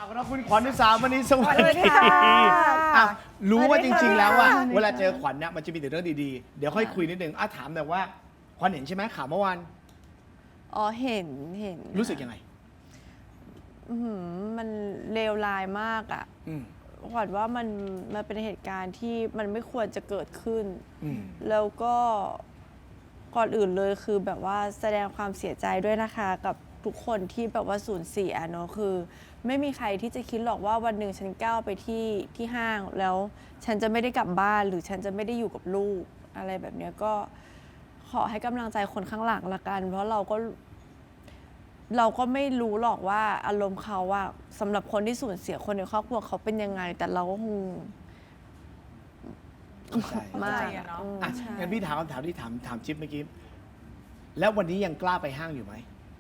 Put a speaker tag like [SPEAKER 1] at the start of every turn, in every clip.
[SPEAKER 1] เราคุณขวัญอุสามณีสวัส
[SPEAKER 2] สวัสดี
[SPEAKER 1] ดี
[SPEAKER 2] ค่ะ
[SPEAKER 1] รู้ว่าจริง ๆ แล้วว่า
[SPEAKER 2] สวัสดีค่ะ
[SPEAKER 1] เวลาเจอขวัญเนี่ยมันจะมีแต่เรื่องดีๆ เดี๋ยวค่อยคุยนิดนึงถามแต่อยว่าขวัญเห็นใช่ไหมข่าวเมื่อวาน
[SPEAKER 3] อ๋อเห็น
[SPEAKER 1] รู้สึกยังไง
[SPEAKER 3] มันเลวร้ายมากอ่ะ
[SPEAKER 1] อืม
[SPEAKER 3] ขวัญว่ามันเป็นเหตุการณ์ที่มันไม่ควรจะเกิดขึ้น
[SPEAKER 1] อืม
[SPEAKER 3] แล้วก็ก่อนอื่นเลยคือแบบว่าแสดงความเสียใจด้วยนะคะกับทุกคนที่แบบว่าสูญเสียเนาะคือ ไม่มีใครที่จะคิดหรอกว่าวันหนึ่งฉันก้าวไปที่ห้างแล้วฉันจะไม่ได้กลับบ้านหรือฉันจะไม่ได้อยู่กับลูกอะไรแบบเนี้ยก็ขอให้กำลังใจคนข้างหลังละกัน เพราะเราก็ไม่รู้หรอกว่าอารมณ์เขาว่าสำหรับคนที่สูญเสียคนในครอบครัวเขาเป็นยังไง แต่เราก็คง
[SPEAKER 1] เข้าใจ
[SPEAKER 3] มาก
[SPEAKER 2] อะเนาะ
[SPEAKER 3] ใช่
[SPEAKER 1] งั้นพี่ถามคำถามที่ถามจิ๊บเมื่อกี้ แล้ววันนี้ยังกล้าไปห้างอยู่ไหม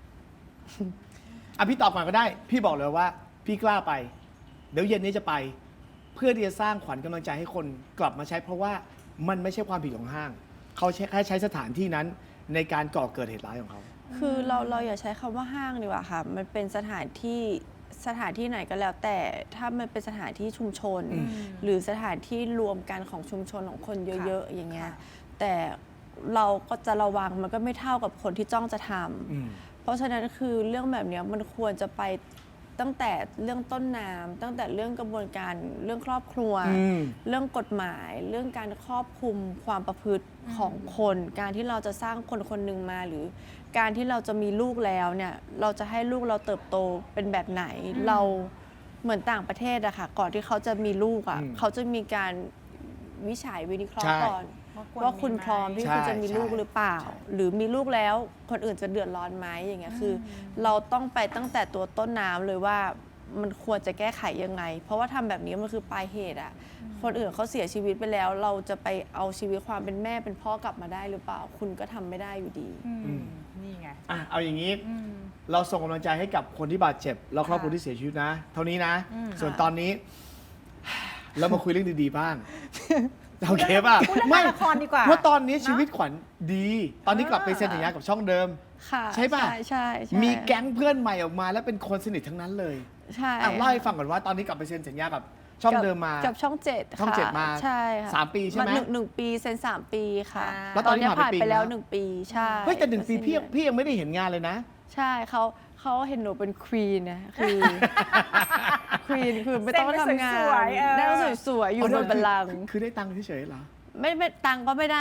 [SPEAKER 1] พี่ตอบก่อนก็ได้ พี่บอกเลยว่า พี่กล้าไป เดี๋ยวเย็นนี้จะไป เพื่อที่จะสร้างขวัญกำลังใจให้คนกลับมาใช้ เพราะว่ามันไม่ใช่ความผิดของห้าง เขาแค่ใช้สถานที่นั้นในการก่อเกิดเหตุร้ายของเขา
[SPEAKER 3] คือเราอย่าใช้คำว่าห้างดีกว่าค่ะ มันเป็นสถานที่ไหนก็แล้ว แต่ถ้ามันเป็นสถานที่ชุมชน หรือสถานที่รวมกันของชุมชนของคนเยอะๆอย่างเงี้ย แต่เราก็จะระวังมันก็ไม่เท่ากับคนที่จ้องจะทำเพราะฉะนั้นคือเรื่องแบบเนี้ยมันควรจะไปตั้งแต่เรื่องต้นน้ำตั้งแต่เรื่องกระบวนการเรื่องครอบครัว เรื่องกฎหมาย เรื่องการครอบคลุมความประพฤติของคน การที่เราจะสร้างคนคนหนึ่งมาหรือการที่เราจะมีลูกแล้วเนี่ยเราจะให้ลูกเราเติบโตเป็นแบบไหน เราเหมือนต่างประเทศอะค่ะก่อนที่เขาจะมีลูกอะเขาจะมีการวิจัยวิเคราะห์
[SPEAKER 1] ใช่
[SPEAKER 3] ก่อนว่าคุณพร้อมที่
[SPEAKER 1] ใช่
[SPEAKER 3] คุณจะมีลูก
[SPEAKER 1] ใช่
[SPEAKER 3] หรือเปล่า หรือมีลูกแล้วคนอื่นจะเดือดร้อนไหมอย่างเงี้ยคือ เราต้องไปตั้งแต่ตัวต้นน้ำเลยว่ามันควรจะแก้ไขยังไง เพราะว่าทำแบบนี้มันคือปลายเหตุอะคนอื่นเขาเสียชีวิตไปแล้ว เราจะไปเอาชีวิตความเป็นแม่เป็นพ่อกลับมาได้หรือเปล่า คุณก็ทำไม่ได้อยู่ดี
[SPEAKER 2] นี่ไง
[SPEAKER 1] เอาอย่างนี้ เราส่งกำลังใจให้กับคนที่บาดเจ็บแล้วครอบครัวที่เสียชีวิตนะ เท่านี้นะ ส่วนตอนนี้ เรามาคุยเรื่องดีๆบ้าง โอเคป่ะ
[SPEAKER 2] พูดเรื่องละครดีกว่า
[SPEAKER 1] เพราะตอนนี้
[SPEAKER 2] เนอะ
[SPEAKER 1] ชีวิตขวัญดี ตอนนี้กลับไปเซ็นสัญญากับช่องเดิม
[SPEAKER 3] ค่ะ
[SPEAKER 1] ใช่ป่ะ
[SPEAKER 3] ใช่
[SPEAKER 1] มีแก๊งเพื่อนใหม่ออกมา แล้วเป็นคนสนิททั้งนั้นเลย
[SPEAKER 3] ใช่
[SPEAKER 1] เล่าให้ฟังก่อนว่าตอนนี้กลับไปเซ็นสัญญากับช่องเดิมมา
[SPEAKER 3] กับช่องเจ็ด
[SPEAKER 1] ช่องเจ็ดมา
[SPEAKER 3] ใช่ค่ะ
[SPEAKER 1] 3 ปีใช่ไหม
[SPEAKER 3] หนึ่งปีเซ็น3 ปีค่ะ
[SPEAKER 1] แล้วตอนนี้ผ่านไปปี
[SPEAKER 3] ผ่านไปแล้ว
[SPEAKER 1] แล้ว
[SPEAKER 3] 1 ปีใช่
[SPEAKER 1] เฮ้ยแต่1 ปีพี่ยังไม่ได้เห็นงานเลยนะ
[SPEAKER 3] ใช่เขาเห็นหนูเป็นควีนนะคือ ควีนคือไม่ต้องทำงาน
[SPEAKER 2] เซ็นไปสวยๆ
[SPEAKER 3] นั่งสวยๆอยู่บนบัลลังก์
[SPEAKER 1] คือได้ตังค์เฉยๆเหรอ
[SPEAKER 3] ไม่ตังค์ก็ไม่ได้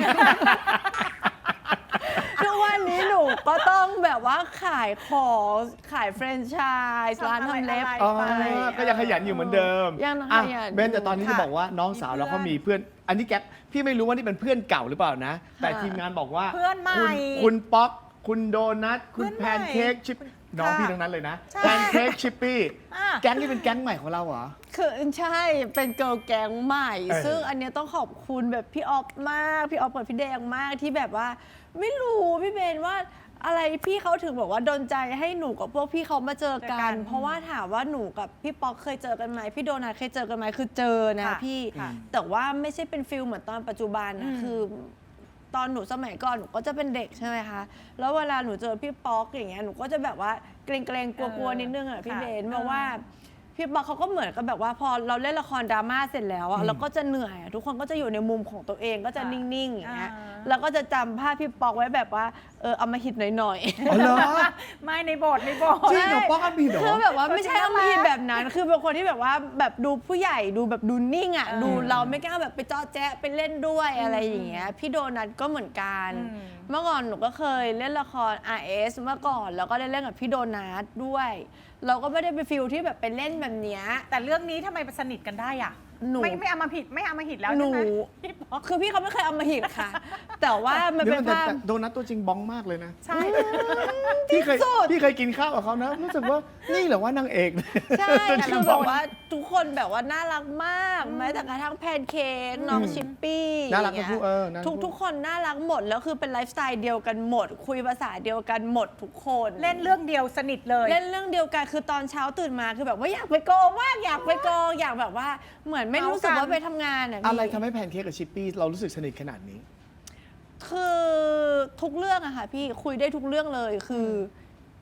[SPEAKER 3] ทุกวันนี้หนูก็ต้องแบบว่าขายของขายแฟรนไชส์ร้านทำเล็บ
[SPEAKER 1] อ๋อ
[SPEAKER 3] ไป
[SPEAKER 1] ก็ยังขยันอยู่เหมือนเดิม
[SPEAKER 3] ยังขยัน
[SPEAKER 1] เบนแต่ตอนนี้จะบอกว่าน้องสาวเราเขามีเพื่อน อันนี้แก๊ปพี่ไม่รู้ว่านี่เป็นเพื่อนเก่าหรือเปล่านะ แต่ทีมงานบอกว่า
[SPEAKER 2] เพื่อนใหม่
[SPEAKER 1] คุณป๊อก คุณโดนัท คุณ
[SPEAKER 2] เพื่อนใหม่
[SPEAKER 1] แพนเค้กชิป น้องพี่ทั้งนั้นเลยนะ
[SPEAKER 2] ใช่
[SPEAKER 1] แพนเค้กชิปปี้
[SPEAKER 2] อ่ะ
[SPEAKER 1] แก๊งนี้เป็นแก๊งใหม่ของเราเหรอ
[SPEAKER 3] คือใช่เป็นเกิร์ลแก๊งใหม่
[SPEAKER 1] เออ
[SPEAKER 3] ซึ่งอันเนี้ยต้องขอบคุณแบบพี่ออฟมากพี่ออฟกับพี่แดงมากที่แบบว่า ไม่รู้พี่เบนว่าอะไรพี่เขาถึงบอกว่าดลใจให้หนูกับพวกพี่เขามาเจอ
[SPEAKER 2] เจอกั
[SPEAKER 3] กัน
[SPEAKER 2] น
[SPEAKER 3] เพราะว่าถามว่าหนูกับพี่ป๊อกเคยเจอกันไหมพี่โดนัทเคยเจอกันไหมคือเจอนะ
[SPEAKER 2] ค่ะ
[SPEAKER 3] พี่
[SPEAKER 2] ค่ะ
[SPEAKER 3] แต่ว่าไม่ใช่เป็นฟิลเหมือนตอนปัจจุบันนะคือ ตอนหนูสมัยก่อนหนูก็จะเป็นเด็กใช่ไหมคะ แล้วเวลาหนูเจอพี่ป๊อกอย่างเงี้ยหนูก็จะแบบว่าเกรงๆกลัวๆนิดนึงอ่ะพี่
[SPEAKER 2] ค่ะ
[SPEAKER 3] เบนเพราะว่าพี่ป๊อกเขาก็เหมือนกับแบบว่าพอเราเล่นละครดราม่าเสร็จแล้วอะเราก็จะเหนื่อยอะทุกคนก็จะอยู่ในมุมของตัวเองก็จะ
[SPEAKER 2] ค่ะ
[SPEAKER 3] นิ่งๆอย่างเงี้ย
[SPEAKER 2] อ่า
[SPEAKER 3] แล้วก็จะจำภาพพี่ป๊อกไว้แบบว่าเอามาหิดหน่อยๆ
[SPEAKER 1] อ๋อเหรอ
[SPEAKER 2] ไม่ในบท
[SPEAKER 1] จริงเหรอป๊อกอันบีเหรอ
[SPEAKER 3] คือแบบว่าไม่ใช่
[SPEAKER 2] ตัวจริง
[SPEAKER 3] ต้องมี
[SPEAKER 2] น่ารัก
[SPEAKER 3] แบบนั้น คือเป็นคนที่แบบว่าแบบดูผู้ใหญ่ดูแบบดูนิ่งอ่ะ ดูเราไม่กล้าแบบไปจ้อแจ๊ะไปเล่นด้วยอะไรอย่างเงี้ย พี่โดนัทก็เหมือนกัน เมื่อก่อนหนูก็เคยเล่นละคร RS เมื่อก่อนแล้วก็ได้เล่นกับพี่โดนัทด้วย เราก็ไม่ได้ไปฟิลที่แบบไปเล่นแบบเนี้ย
[SPEAKER 2] แต่เรื่องนี้ทำไมสนิทกันได้อ่ะ
[SPEAKER 3] หนู
[SPEAKER 2] ไม่เอามาผิดไม่เอามาหิดแล้ว
[SPEAKER 3] หนู
[SPEAKER 2] ใช่ไหมพี่ป๊อก
[SPEAKER 3] คือพี่เขาไม่เคยเอามาหิดค่ะ แต่ว่ามันเป็น
[SPEAKER 1] แต่
[SPEAKER 3] ภาพ
[SPEAKER 1] โดนัทตัวจริงบ้องมากเลยนะ
[SPEAKER 2] ใช่
[SPEAKER 1] พี่เคยกินข้าวกับเขานะ รู้สึกว่านี่เหรอว่านางเอก
[SPEAKER 3] ใช่
[SPEAKER 1] ตัวจริ
[SPEAKER 3] คื
[SPEAKER 1] ง
[SPEAKER 3] อแบบว่าทุกคนแบบว่าน่ารักมากแม้แต่กระทั่งแพนเค้กน้องชิปปี้
[SPEAKER 1] น่ารัก
[SPEAKER 3] อย่ง
[SPEAKER 1] ทั้ง
[SPEAKER 3] เงี้
[SPEAKER 1] คู่
[SPEAKER 3] ย
[SPEAKER 1] น่ารักทั้งคู่
[SPEAKER 3] ทุกคนน่ารักหมด แล้วคือเป็นไลฟ์สไตล์เดียวกันหมด คุยภาษาเดียวกันหมดทุกคน
[SPEAKER 2] เล่นเรื่องเดียวสนิทเลย
[SPEAKER 3] เล่นเรื่องเดียวกันคือตอนเช้าตื่นมาคือแบบว่าอยากไปโกงมากอยากไปโกงอยากแบบว่าเหมือนไม่รู้สึกว่าไปทำงานอ่ะพี่
[SPEAKER 1] อะไรทำให้แพนเค้กกับชิปปี้เรารู้สึกสนิทขนาดนี้
[SPEAKER 3] คือทุกเรื่องอะค่ะพี่คุยได้ทุกเรื่องเลยคือ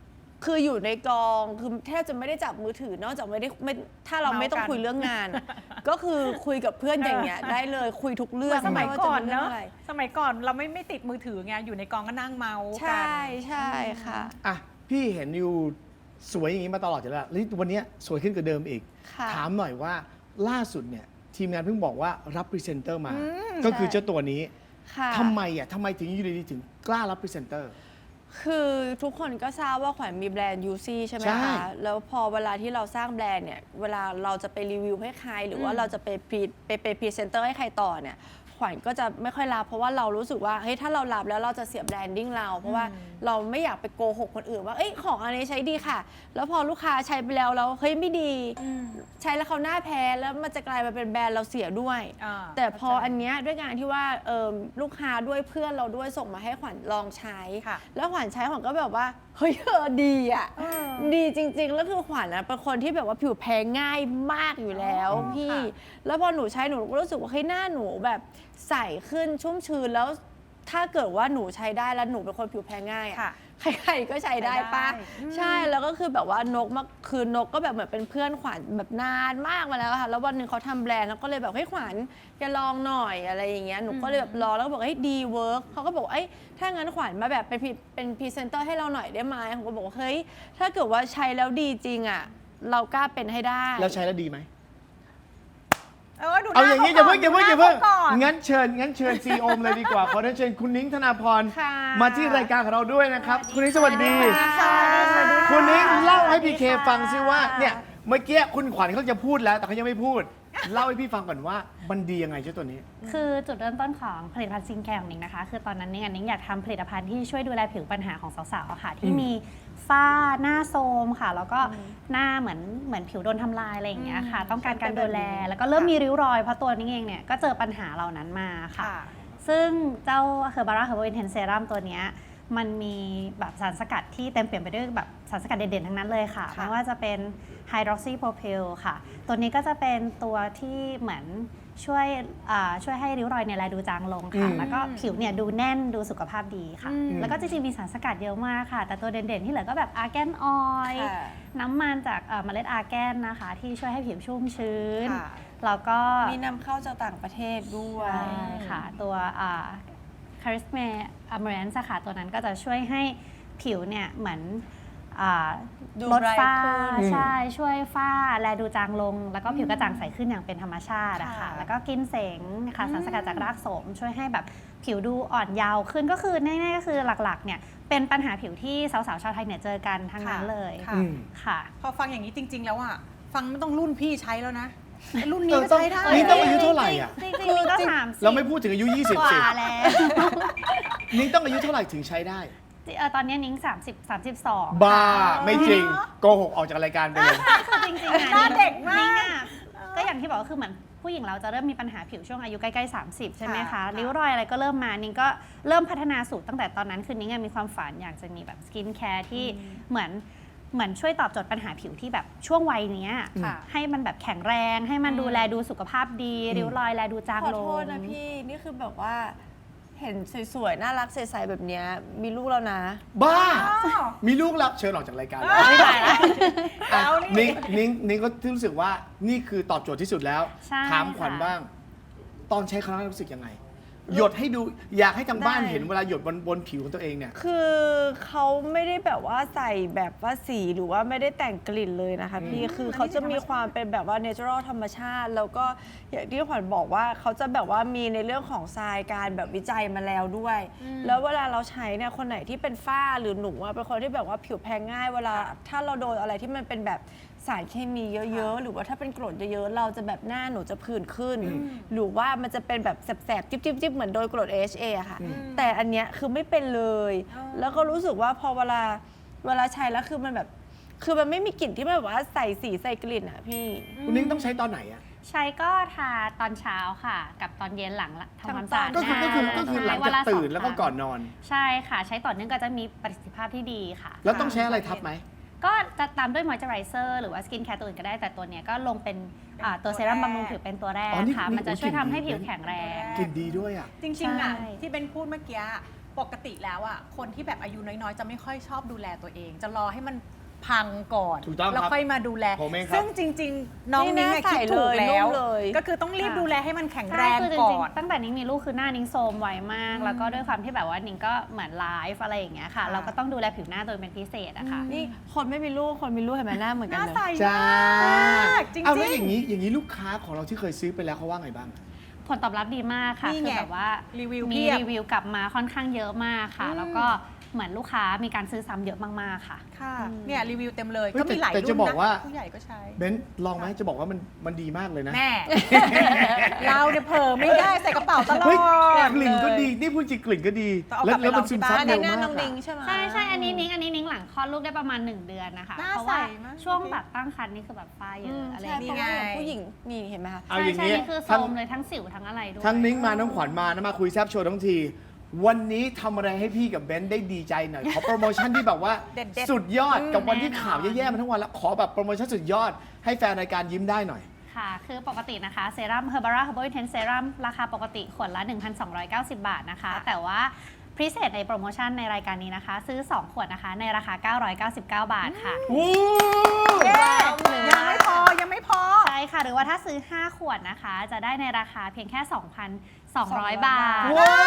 [SPEAKER 3] คืออยู่ในกองคือแทบจะไม่ได้จับมือถือนอกจากไม่ถ้าเราไม่ต้องคุยเรื่องงาน ก็คือคุยกับเพื่อนอย่างเงี้ยได้เลยคุยทุกเรื่อง
[SPEAKER 2] สมัยก่อน
[SPEAKER 3] ไว่าจะป็
[SPEAKER 2] เนาะ
[SPEAKER 3] รื่งไร
[SPEAKER 2] สมัยก่อนเราไม่ติดมือถือไงอยู่ในกองก็นั่งเมาส์
[SPEAKER 3] ใช
[SPEAKER 2] กั่ น
[SPEAKER 3] ใช่ค่ะ
[SPEAKER 1] อ่ะพี่เห็นอยู่สวยอย่างนี้มาตลอดอยู่แล้วแล้ววันนี้สวยขึ้นกว่าเดิมอีก
[SPEAKER 3] ค่ะ
[SPEAKER 1] ถามหน่อยว่าล่าสุดเนี่ยทีมงานเพิ่งบอกว่ารับพรีเซนเตอร์มา
[SPEAKER 2] อืม
[SPEAKER 1] ก็คือ
[SPEAKER 3] ใช่
[SPEAKER 1] เจ้าตัวนี้
[SPEAKER 3] ค่ะ
[SPEAKER 1] ทำไมถึงอยู่ดีๆถึงกล้ารับพรีเซนเตอร์
[SPEAKER 3] คือทุกคนก็ทราบว่าขวัญมีแบรนด์ยูซี่ใช่ไหม
[SPEAKER 1] ใช่
[SPEAKER 3] คะ แล้วพอเวลาที่เราสร้างแบรนด์เนี่ย เวลาเราจะไปรีวิวให้ใคร หรือว่าเราจะไปเป็นพรีเซนเตอร์ให้ใครต่อเนี่ย ขวัญก็จะไม่ค่อยรับเพราะว่าเรารู้สึกว่าเฮ้ยถ้าเรารับแล้วเราจะเสียแบรนดิ้งเรา เพราะว่าเราไม่อยากไปโกหกคนอื่นว่าเอ้ยของอันนี้ใช้ดีค่ะ แล้วพอลูกค้าใช้ไปแล้วเฮ้ยไม่ดี ใช้แล้วเขาหน้าแพ้แล้วมันจะกลายมาเป็นแบรนด์เราเสียด้วย
[SPEAKER 2] อ่า
[SPEAKER 3] แต่พออันเนี้ยด้วยการที่ว่าลูกค้าด้วยเพื่อนเราด้วยส่งมาให้ขวัญลองใช้
[SPEAKER 2] ค่ะ
[SPEAKER 3] แล้วขวัญใช้ขวัญก็แบบว่าเฮ้ยดีอ่ะดีจริงๆแล้วคือขวัญนะเป็นคนที่แบบว่าผิวแพ้ง่ายมากอยู่แล้วพี่
[SPEAKER 2] ค่ะ
[SPEAKER 3] แล้วพอหนูใช้หนูก็รู้สึกว่าเฮ้ยหน้าหนูแบบใสขึ้นชุ่มชื้นแล้วถ้าเกิดว่าหนูใช้ได้แล้วหนูเป็นคนผิวแพ้ง่าย
[SPEAKER 2] ค่ะ
[SPEAKER 3] อะใครๆก็ใช้ได้ปะ
[SPEAKER 2] ใช้ได้
[SPEAKER 3] ใช่แล้วก็คือแบบว่านกมาคือนกก็แบบเหมือนเป็นเพื่อนขวัญแบบนานมากมาแล้วค่ะแล้ววันหนึ่งเขาทำแบรนด์แล้วก็เลยแบบเฮ้ยขวัญแกลองหน่อยอะไรอย่างเงี้ยหนูก็เลยแบบลองแล้วก็บอกเฮ้ยดีเวิร์กเขาก็บอกเอ้ยถ้างั้นขวัญมาแบบเป็นพรีเซนเตอร์ให้เราหน่อยได้ไหมผมก็บอกว่าเฮ้ยถ้าเกิดว่าใช้แล้วดีจริงอ่ะเรากล้าเป็นให้ได้
[SPEAKER 1] แล้วใช้แล้วดีไหม
[SPEAKER 2] ดูห
[SPEAKER 1] เอา
[SPEAKER 2] น้
[SPEAKER 1] อย่างนี้
[SPEAKER 2] ข
[SPEAKER 1] อย่าเพิ่งอย่าเพิ่งอย่าเพิ่ง
[SPEAKER 2] ดูหน้ขก่อน
[SPEAKER 1] งั้นเชิญซีโอมเลยดีกว่า ขอเชิญคุณนิ้งธนาพร
[SPEAKER 3] ค่ะ
[SPEAKER 1] มาที่รายการของเราด้วยนะครับ คุณนิ้งสวัสดี
[SPEAKER 2] สวัสดีค่ะ
[SPEAKER 1] คุณนิ้งเล่าให้พีเคฟังซิว่าเนี่ยเมื่อกี้คุณขวัญเขาจะพูดแล้วแต่เขายังไม่พูด เล่าให้พี่ฟังก่อนว่ามันดียังไงเจ้าตัวนี้
[SPEAKER 4] คือจุดเริ่มต้นของผลิตภัณฑ์ซิงแคร์ของนิ้งนะคะ คือตอนนั้นนิ้งอยากทำผลิตภัณฑ์ที่ช่วยดูแลผิวปัญหาของสาวๆอะค่ะ ที่มีฝ้าหน้าโทรมค่ะ แล้วก็หน้าเหมือนผิวโดนทำลายอะไรอย่างเงี้ยค่ะ ต้องการการดูแล แล้วก็เริ่มมีริ้วรอยเพราะตัวนิ้งเองเนี่ยก็เจอปัญหาเหล่านั้นมาค่ะ
[SPEAKER 2] ค่ะ
[SPEAKER 4] ซึ่งเจ้าเฮอร์บาร่าเฮอร์บาอินเทนเซรัมตัวเนี้ยมันมีแบบสารสกัดที่เต็มเปี่ยมไปด้วยแบบสารสกัดเด่นๆทั้งนั้นเลยค่ะ
[SPEAKER 2] ค่ะ
[SPEAKER 4] ไม่ว่าจะเป็นไฮดรอกซีโพรพิลค่ะ ตัวนี้ก็จะเป็นตัวที่เหมือนช่วยให้ริ้วรอยเนี่ยแลดูจางลงค่ะ แล้วก็ผิวเนี่ยดูแน่นดูสุขภาพดีค่ะ แล้วก็จริงๆมีสารสกัดเยอะมากค่ะ แต่ตัวเด่นๆที่เหลือก็แบบอาร์แกนออยล์
[SPEAKER 3] ค่ะ
[SPEAKER 4] น้ำมันจากเมล็ดอาร์แกนนะคะ ที่ช่วยให้ผิวชุ่มชื้น
[SPEAKER 2] ค่ะ
[SPEAKER 4] แล้วก็
[SPEAKER 3] มีนำเข้าจากต่างประเทศด้วย
[SPEAKER 4] ใช่ค่ะ ตัวคาริสเมอเมรันส์ค่ะตัวนั้นก็จะช่วยให้ผิวเนี่ยเหมือน
[SPEAKER 3] ดู
[SPEAKER 4] ลดฝ้า
[SPEAKER 3] ไบรท์ขึ้น
[SPEAKER 4] ใช่ช่วยฝ้าแลดูจางลง แล้วก็ผิวกระจ่างใสขึ้นอย่างเป็นธรรมชาติอะค่ะ
[SPEAKER 2] ค่ะ
[SPEAKER 4] แล้วก็กินเสงค่ะสารสกัดจากรากโสม ช่วยให้แบบผิวดูอ่อนเยาว์ขึ้นก็คือง่ายๆก็คือหลักๆเนี่ยเป็นปัญหาผิวที่สาวๆชาวไทยเนี่ยเจอกันทั้งนั้นเลย
[SPEAKER 2] ค่ะ
[SPEAKER 1] อืม
[SPEAKER 4] ค่ะ
[SPEAKER 2] พอฟังอย่างนี้จริง ๆ แล้วอ่ะฟังไม่ต้องรุ่นพี่ใช้แล้วนะไอ้รุ่นนี้
[SPEAKER 1] เออ
[SPEAKER 2] ก็
[SPEAKER 1] ต้อง
[SPEAKER 2] ใช้ได้
[SPEAKER 1] นี่ต้องอายุเท่าไหร่อ่ะ
[SPEAKER 4] จริงๆนี่ก็30
[SPEAKER 1] เราไม่พูดถึงอายุ 20
[SPEAKER 4] ก
[SPEAKER 1] สิ
[SPEAKER 4] ว่าแล้ว
[SPEAKER 1] นิ้งต้องอายุเท่าไหร่ถึงใช้ได้
[SPEAKER 4] ตอนนี้นิ้ง32
[SPEAKER 1] บ้าไม่จริงโกหกออกจากรายการไปเลย
[SPEAKER 4] คือจริงๆอะ
[SPEAKER 2] หน้าเด็กมาก
[SPEAKER 4] นิ้งอะก็อย่างที่บอกก็คือเหมือนผู้หญิงเราจะเริ่มมีปัญหาผิวช่วงอายุใกล้ๆ30 ใช่ไหม
[SPEAKER 2] ค่ะ
[SPEAKER 4] คะริ้วรอยอะไรก็เริ่มมานิ้งก็เริ่มพัฒนาสูตรตั้งแต่ตอนนั้นคือนิ้งอะมีความฝันอยากจะมีแบบสกินแคร์ที่เหมือนช่วยตอบโจทย์ปัญหาผิวที่แบบช่วงวัยเนี้ย
[SPEAKER 2] ค่ะ
[SPEAKER 4] ให้มันแบบแข็งแรงให้มันดูแลดูสุขภาพดี ริ้วรอยแลดูจาง
[SPEAKER 3] ขอ
[SPEAKER 4] ล
[SPEAKER 3] โท
[SPEAKER 4] ง
[SPEAKER 3] ษนะพี่ นี่คือแบบว่าเห็นสวยๆ น่ารักใสๆแบบเนี้ยมีลูกแล้วนะ
[SPEAKER 1] บ้า
[SPEAKER 2] อ้าว
[SPEAKER 1] มีลูกแล้วเชิญออกจากรายการเลย
[SPEAKER 4] ไม่ได้ละ
[SPEAKER 1] อ่ะ
[SPEAKER 2] แล้วนี่
[SPEAKER 1] นิ้งก็รู้สึกว่านี่คือตอบโจทย์ที่สุดแล้ว
[SPEAKER 4] ใช่
[SPEAKER 1] ถามขวัญ
[SPEAKER 4] ค่ะ
[SPEAKER 1] บ้าง ตอนใช้ครั้งแรกรู้สึกยังไง หยดให้ดูอยากให้ทางบ้าน
[SPEAKER 3] ได้
[SPEAKER 1] เห็นเวลาหยดบนผิวของตัวเองเนี่ย
[SPEAKER 3] คือเขาไม่ได้แบบว่าใส่แบบว่าสีหรือว่าไม่ได้แต่งกลิ่นเลยนะคะพี่ คือเขาจะมีความเป็นแบบว่า natural ธรรมชาติ แล้วก็อย่างที่ขวัญบอกว่าเขาจะแบบว่ามีในเรื่องของทรายการแบบวิจัยมาแล้วด้วย แล้วเวลาเราใช้เนี่ยคนไหนที่เป็นฝ้าหรือหนูอะเป็นคนที่แบบว่าผิวแพ้ง่าย เวลาถ้าเราโดนอะไรที่มันเป็นแบบสารเคมีเยอะๆ หรือว่าถ้าเป็นกรดเยอะๆ เราจะแบบหน้าหนูจะผื่นขึ้น หรือว่ามันจะเป็นแบบแสบๆ จิ๊บๆ เหมือนโดนกรด AHA อะค่ะ แต่อันเนี้ยคือไม่เป็นเลย แล้วก็รู้สึกว่าพอเวลาใช้แล้วคือมันแบบคือมันไม่มีกลิ่นที่แบบว่าใส่สีใส่กลิ่นอะพี่
[SPEAKER 1] คุณนิ้งต้องใช้ตอนไหนอ่ะ
[SPEAKER 4] ใช้ก็ทาตอนเช้าค่ะ กับตอนเย็นหลังทำความสะอาด
[SPEAKER 1] ก็คือ
[SPEAKER 4] น้า
[SPEAKER 1] ก็คือหลัง
[SPEAKER 4] ใช่
[SPEAKER 1] จาก
[SPEAKER 4] ละ
[SPEAKER 1] ตื่น
[SPEAKER 4] 2
[SPEAKER 1] แล้วก็ก่อนนอน
[SPEAKER 4] ใช่ค่ะ ใช้ต่อเนื่องก็จะมีประสิทธิภาพที่ดีค่ะ
[SPEAKER 1] แล้วต้องใช้อะไรทับไหม
[SPEAKER 4] ก็จะตามด้วยมอยเจอไรเซอร์หรือว่าสกินแคร์ตัวอื่นก็ได้แต่ตัวเนี้ยก็ลงเป็นตัวเซรั่มบำรุงผิวเป็นตัวแรก
[SPEAKER 1] อ๋อนี่
[SPEAKER 4] ค่ะ
[SPEAKER 1] นี่
[SPEAKER 4] มันจะช่วยทำให้
[SPEAKER 1] กลิ่นดี
[SPEAKER 4] ผิวแข็งแรง
[SPEAKER 1] กลิ่นดีด้วยอ่ะ
[SPEAKER 2] จริงๆอ่ะ
[SPEAKER 4] ใช่
[SPEAKER 2] ที่เป็นพูดเมื่อกี้ปกติแล้วอ่ะคนที่แบบอายุน้อยๆ จะไม่ค่อยชอบดูแลตัวเอง จะรอให้มันพังก่อน
[SPEAKER 1] ถูกต้องครับ
[SPEAKER 2] แล้วค่อยมาดูแล
[SPEAKER 1] ผมเองครับ
[SPEAKER 2] ซึ่งจริง ๆ น้องนิ้งอะคิดถูกแล้ว ก็คือต้องรีบดูแลให้มันแข็งแร
[SPEAKER 4] ใช่
[SPEAKER 2] ง
[SPEAKER 4] คือจ
[SPEAKER 2] ก่
[SPEAKER 4] ริง
[SPEAKER 2] อน
[SPEAKER 4] ๆตั้งแต่นิ้งมีลูกคือหน้านิ้งโทรมไวมาก แล้วก็ด้วยความที่แบบว่านิ้งก็เหมือนไลฟ์อะไรอย่างเงี้ยค่ะ
[SPEAKER 2] ค่ะ
[SPEAKER 4] เราก็ต้องดูแลผิวหน้าโดยเป็นพิเศษอะค่ะ
[SPEAKER 3] นี่คนไม่มีลูกคนมีลูกเห็นไหมหน้าเหมือน
[SPEAKER 2] ห
[SPEAKER 3] กัน
[SPEAKER 2] น้า
[SPEAKER 3] เลย
[SPEAKER 2] ใส
[SPEAKER 1] จ้าม
[SPEAKER 2] ากจริง
[SPEAKER 1] เอาแล้วอ
[SPEAKER 2] ๆ
[SPEAKER 1] ย่างนี้ลูกค้าของเราที่เคยซื้อไปแล้วเขาว่าไงบ้าง
[SPEAKER 4] ผลตอบรับดีมากค่ะ
[SPEAKER 2] นี่
[SPEAKER 4] คื
[SPEAKER 2] ไง
[SPEAKER 4] อแบบว่า
[SPEAKER 2] รีวิว
[SPEAKER 4] มี
[SPEAKER 2] เพียบ
[SPEAKER 4] รีวิวกลับมาค่อนข้างเยอะมากค่ะ
[SPEAKER 2] อืม
[SPEAKER 4] แล้วก็เหมือนลูกค้ามีการซื้อซ้ำเยอะมากๆค่ะ
[SPEAKER 2] ค่ะเนี่ยรีวิวเต็มเลย
[SPEAKER 1] เฮ้ย
[SPEAKER 2] ก็มีหลาย
[SPEAKER 1] แต่
[SPEAKER 2] รุ่น
[SPEAKER 1] จะบอกว่า
[SPEAKER 2] ผู้ใหญ่ก็ใช้
[SPEAKER 1] เบนซ์ลองไหมจะบอกว่ามันดีมากเลยนะ
[SPEAKER 2] แม่ เราเนี่ยเผลอไม่ได้ใส่กระเป๋าตลอ
[SPEAKER 1] เฮ้ย
[SPEAKER 2] ด
[SPEAKER 1] กลิ่นก็ดี
[SPEAKER 2] เลย
[SPEAKER 1] นี่พูดจริงกลิ่นก็ดี
[SPEAKER 2] ต้องเอากลับไป
[SPEAKER 1] แล้วมัน
[SPEAKER 2] ลอง
[SPEAKER 1] ซึม
[SPEAKER 2] ที่
[SPEAKER 1] ซับ
[SPEAKER 2] บ้าน
[SPEAKER 1] เร็ว
[SPEAKER 3] หน้าม
[SPEAKER 1] าก
[SPEAKER 3] น้องดิ
[SPEAKER 1] อะ
[SPEAKER 3] งใช่ไหม
[SPEAKER 4] ใช่อันนี้นิ้งหลังคลอดลูกได้ประมาณ 1 เดือนนะคะ
[SPEAKER 2] หน้า
[SPEAKER 4] เพราะว่า
[SPEAKER 2] ใสมาก
[SPEAKER 4] ช่วงแบบตั้งครรภ์นี่คือแบบฝ้าเยอะอะไรอ
[SPEAKER 3] ใช่
[SPEAKER 4] ย่าง
[SPEAKER 3] เพ
[SPEAKER 4] เงี้ย
[SPEAKER 3] ราะว่าอย่างผู้หญิงนี่เห็นไหมคะ
[SPEAKER 1] เอาอย่าง
[SPEAKER 4] ใช่
[SPEAKER 1] นี้
[SPEAKER 4] นี่คือโซ
[SPEAKER 1] ทั้ง
[SPEAKER 4] มเลยทั้งสิวทั้งอะไรด้วย
[SPEAKER 1] ทั้งนิ้งมาน้องขวัญมานะมาคุยแซบโชว์ทั้งที วันนี้ทำอะไรให้พี่กับเบนซ์ได้ดีใจหน่อย ขอโปรโมชั่นที่แบบว่า
[SPEAKER 2] เด็ดๆ
[SPEAKER 1] สุดยอดกับวันที่
[SPEAKER 4] แน่นอน
[SPEAKER 1] ข่าวแย่ๆมาทั้งวันแล้วขอแบบโปรโมชั่นสุดยอดให้แฟนรายการยิ้มได้หน่อย
[SPEAKER 4] ค่ะ คือปกตินะคะเซรั่ม Herbara Herbal Intense Serum ราคาปกติขวดละ 1,290 บาทนะคะ แต่ว่าพิเศษในโปรโมชั่นในรายการนี้นะคะ ซื้อ 2 ขวดนะคะ ในราคา 999 บาทค่ะ
[SPEAKER 1] วู้
[SPEAKER 2] เย้ยังไม่พอยังไม่พอ
[SPEAKER 4] ใช่ค่ะ หรือว่าถ้าซื้อ 5 ขวดนะคะ จะได้ในราคาเพียงแค่ 2,200 บาท
[SPEAKER 1] ว้าว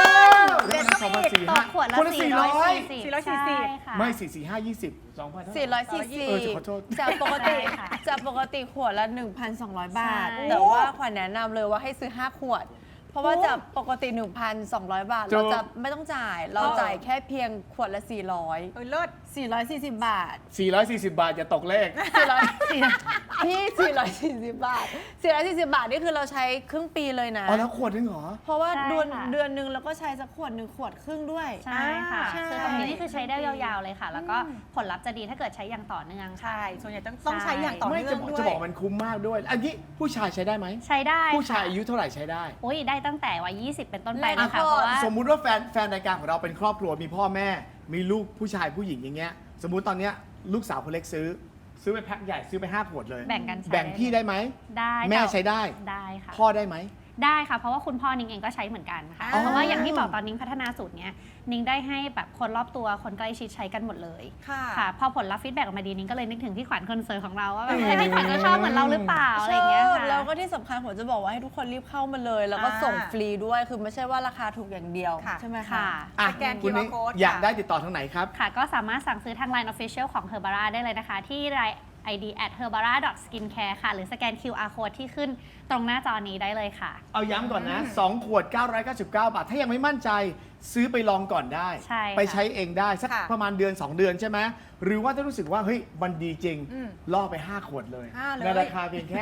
[SPEAKER 2] เด็ด
[SPEAKER 1] สองพันสี่
[SPEAKER 4] ต่อ
[SPEAKER 1] ห้า
[SPEAKER 4] ขวดละ
[SPEAKER 1] คนละ400
[SPEAKER 4] 440 ใช่ค่ะ
[SPEAKER 1] ไม่4 4 5 20 2,000
[SPEAKER 3] 440
[SPEAKER 1] เออขอโทษ
[SPEAKER 3] จากปกติ
[SPEAKER 4] ใช่ค่ะ
[SPEAKER 3] จากปกติขวดละ 1,200 บาท
[SPEAKER 4] ใช่
[SPEAKER 3] แต่ว่าขวัญแนะนำเลยว่าให้ซื้อ 5 ขวด เพราะว่าจากปกติ 1,200 บาท เราจะไม่ต้องจ่าย เราจ่ายแค่เพียงขวดละ 400
[SPEAKER 2] เลิศ
[SPEAKER 3] 440 บาท
[SPEAKER 1] 440 บาทอย่าตกเลข
[SPEAKER 3] พี่ 440 บาท 440 บาทนี่คือเราใช้ครึ่งปีเลยนะ
[SPEAKER 1] อ๋อแล้วขวดนึงเหรอ
[SPEAKER 3] เพราะว่า
[SPEAKER 4] ใช่
[SPEAKER 3] เดือน
[SPEAKER 4] ค่ะ
[SPEAKER 3] เดือนหนึ่งเราก็ใช้สักขวดหนึ่งขวดครึ่งด้วย
[SPEAKER 4] ใช่ค่ะ
[SPEAKER 3] ใช่
[SPEAKER 4] คือตรงนี้นี่คือใช้ได้ยาวๆเลยค่ะ แล้วก็ผลลัพธ์จะดีถ้าเกิดใช้อย่างต่อเนื่องค่ะ
[SPEAKER 2] ใช่ ส่วนใหญ่ต้องใช้อย่างต่อ
[SPEAKER 1] ไม่
[SPEAKER 2] เนื่องด้วย
[SPEAKER 1] จะบอกมันคุ้มมากด้วย อันนี้ผู้ชายใช้ได้ไหม
[SPEAKER 4] ใช้ได้
[SPEAKER 1] ผู้ชาย
[SPEAKER 4] ค่ะ
[SPEAKER 1] อายุเท่าไหร่ใช้ได้
[SPEAKER 4] อุ้ยได้ตั้งแต่วัย 20 เป็นต้นไป
[SPEAKER 3] แล้ว
[SPEAKER 4] นะคะ
[SPEAKER 3] ก็
[SPEAKER 4] เพราะว่า
[SPEAKER 1] สมมุติว่าแฟนรายการของเราเป็นครอบครัวมีพ่อแม่ มีลูกผู้ชายผู้หญิงอย่างเงี้ย สมมุติตอนเนี้ยลูกสาวคนเล็กซื้อไปแพ็คใหญ่ซื้อไป5 ขวดเลย
[SPEAKER 4] แบ่งกันใช้
[SPEAKER 1] แบ่งพี่ได้ไหม
[SPEAKER 4] ได้
[SPEAKER 1] แม่
[SPEAKER 4] ค่ะ
[SPEAKER 1] ใช้ได้
[SPEAKER 4] ได้ค่ะ
[SPEAKER 1] พ่อได้ไหม
[SPEAKER 4] ได้ค่ะ เพราะว่าคุณพ่อนิ้งเองก็ใช้เหมือนกันค่ะ
[SPEAKER 2] อ๋อ
[SPEAKER 4] เพราะว่าอย่างที่บอกตอนนิ้งพัฒนาสูตรเนี้ยนิ้งได้ให้แบบคนรอบตัวคนใกล้ชิดใช้กันหมดเลย
[SPEAKER 2] ค่ะ
[SPEAKER 4] ค่ะพอผลลัพธ์ฟีดแบ็กออกมาดีนิ้งก็เลยนึกถึงพี่ขวัญคนสวยของเราว่าแบบเฮ้ยพี่ขวัญก็ชอบเหมือนเราหรือเปล่าอะไรอย่างเงี้ยค่ะ
[SPEAKER 3] แล้วก็ที่สำคัญผมจะบอกว่าให้ทุกคนรีบเข้ามาเลย แล้วก็ส่งฟรีด้วย คือไม่ใช่ว่าราคาถูกอย่างเดียว
[SPEAKER 2] ค่ะ
[SPEAKER 3] ใช่ไหมคะ
[SPEAKER 4] ค่ะ
[SPEAKER 1] อ่ะ
[SPEAKER 2] สแกน
[SPEAKER 1] คุณนิ้ง
[SPEAKER 2] QR code
[SPEAKER 1] อยาก
[SPEAKER 2] ค่ะ
[SPEAKER 1] ได้ติดต่อทางไหนครับ
[SPEAKER 4] ค่ะก็สามารถสั่งซื้อทาง Line Official ของ Herbara ได้เลยนะคะ ที่ ID @herbara.skincare ค่ะ หรือสแกน QR code ที่ขึ้นตรงหน้าจอนี้ได้เลยค่ะ
[SPEAKER 1] เอาย้ำก่อนนะ 2 ขวด 999 บาท ถ้ายังไม่มั่นใจซื้อไปลองก่อนได้
[SPEAKER 4] ใช่ค่ะ
[SPEAKER 1] ไปใช้เองได้สัก
[SPEAKER 2] ค่ะ
[SPEAKER 1] ประมาณเดือน 2 เดือนใช่ไหมหรือว่าถ้ารู้สึกว่าเฮ้ยมันดีจริง
[SPEAKER 2] อืม
[SPEAKER 1] ล่อไป 5 ขวดเลย
[SPEAKER 2] 5เลย
[SPEAKER 1] ในราคาเพียงแค่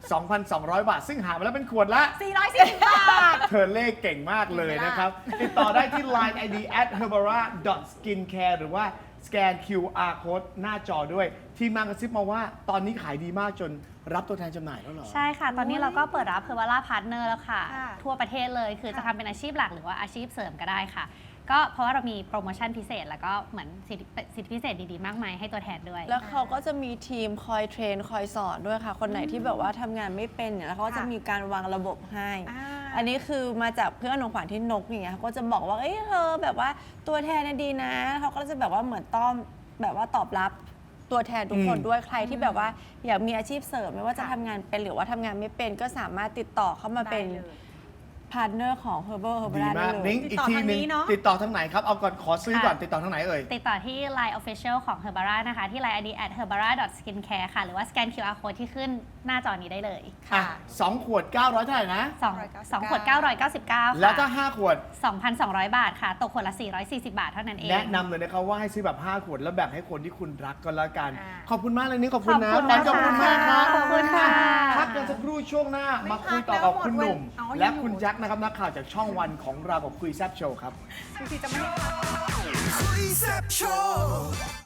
[SPEAKER 1] 2,200 บาท ซึ่งหามาแล้วเป็นขวดละ
[SPEAKER 2] 440 บาท
[SPEAKER 1] เธอเลขเก่งมากเลยนะครับ ติดต่อได้ที่ Line ID @herbara.skincare หรือว่าสแกน QR code หน้าจอด้วย ทีมงานกระซิบมาว่าตอนนี้ขายดีมากจนรับตัวแทนจำหน่ายแล้วเหรอ
[SPEAKER 4] ใช่ค่ะ ตอนนี้เราก็เปิดรับ Herbara Partner แล้วค่ะ
[SPEAKER 2] ค่ะ
[SPEAKER 4] ทั่วประเทศเลย คือจะทำเป็นอาชีพหลักหรือว่าอาชีพเสริมก็ได้ค่ะ ก็เพราะว่าเรามีโปรโมชั่นพิเศษ แล้วก็เหมือนสิทธิพิเศษดีๆ มากมายให้ตัวแทนด้วย
[SPEAKER 3] แล้วเขาก็จะมีทีมคอยเทรนคอยสอนด้วยค่ะ คนไหนที่แบบว่าทำงานไม่เป็นเนี่ยแล้วเขาก็จะมีการวางระบบให้ อันนี้คือมาจากเพื่อนของขวัญที่นกอย่างเงี้ยเขาก็จะบอกว่าเอ้ยเธอแบบว่าตัวแทนน่ะดีนะเขาก็จะแบบว่าเหมือนต้อมแบบว่าตอบรับตัวแทนทุกคนด้วยใครที่แบบว่าอยากมีอาชีพเสริมไม่ว่าจะ
[SPEAKER 2] ค่ะ
[SPEAKER 3] ทำงานเป็นหรือว่าทำงานไม่เป็นก็สามารถติดต่อเข้ามาเป็น
[SPEAKER 2] ได้เลย
[SPEAKER 3] พาร์ทเนอร์ของ Herbal
[SPEAKER 1] ดี
[SPEAKER 3] Herbara ได้
[SPEAKER 1] มาก
[SPEAKER 3] เลย
[SPEAKER 1] นิ้ง
[SPEAKER 2] ติด
[SPEAKER 1] อีก
[SPEAKER 2] ต่อ
[SPEAKER 1] ที
[SPEAKER 2] ทาง
[SPEAKER 1] หนึง
[SPEAKER 2] นี้เนอะ
[SPEAKER 1] ติดต่อทางไหนครับ เอาก่อนขอซื้อก่อน
[SPEAKER 4] ค่ะ
[SPEAKER 1] ติดต่อทางไหนเอ่ย
[SPEAKER 4] ติดต่อที่ Line Official ของ Herbara นะคะ ที่ Line ID @herbara.skincare ค่ะ หรือว่าสแกน QR code ที่ขึ้นหน้าจอนี้ได้เลย
[SPEAKER 1] อ่ะ2 ขวด 900 เท่าไหร่นะ
[SPEAKER 4] สองขวด 999 ค่ะ
[SPEAKER 1] แล้วถ้า 5 ขวด
[SPEAKER 4] 2,200 บาทค่ะ ตกขวดละ 440 บาทเท่านั้นเอง
[SPEAKER 1] แนะนำเลยนะครับว่าให้ซื้อแบบ 5 ขวด แล้วแบ่งให้คนที่คุณรักก็แล้วกัน
[SPEAKER 2] อ่า
[SPEAKER 1] ขอบคุณมากเลยนี่ขอบคุณนะ
[SPEAKER 4] ขอบคุณนะคะ
[SPEAKER 1] ขอบคุณมากครับ
[SPEAKER 4] ขอบคุณค่ะ
[SPEAKER 1] พักกันสักครู่ช่วงหน้า
[SPEAKER 2] ไม่
[SPEAKER 1] มาคุย
[SPEAKER 2] พัก
[SPEAKER 1] ต่อกับ
[SPEAKER 2] แล้ว
[SPEAKER 1] คุณหนุ่ม
[SPEAKER 2] หมดวัน
[SPEAKER 1] และคุณแจ็คนะครับนักข่าวจากช่องวันของเรากับคุยแซบโชว์ครับ
[SPEAKER 2] จริงๆจะไม่ได้
[SPEAKER 5] Quiz Up Show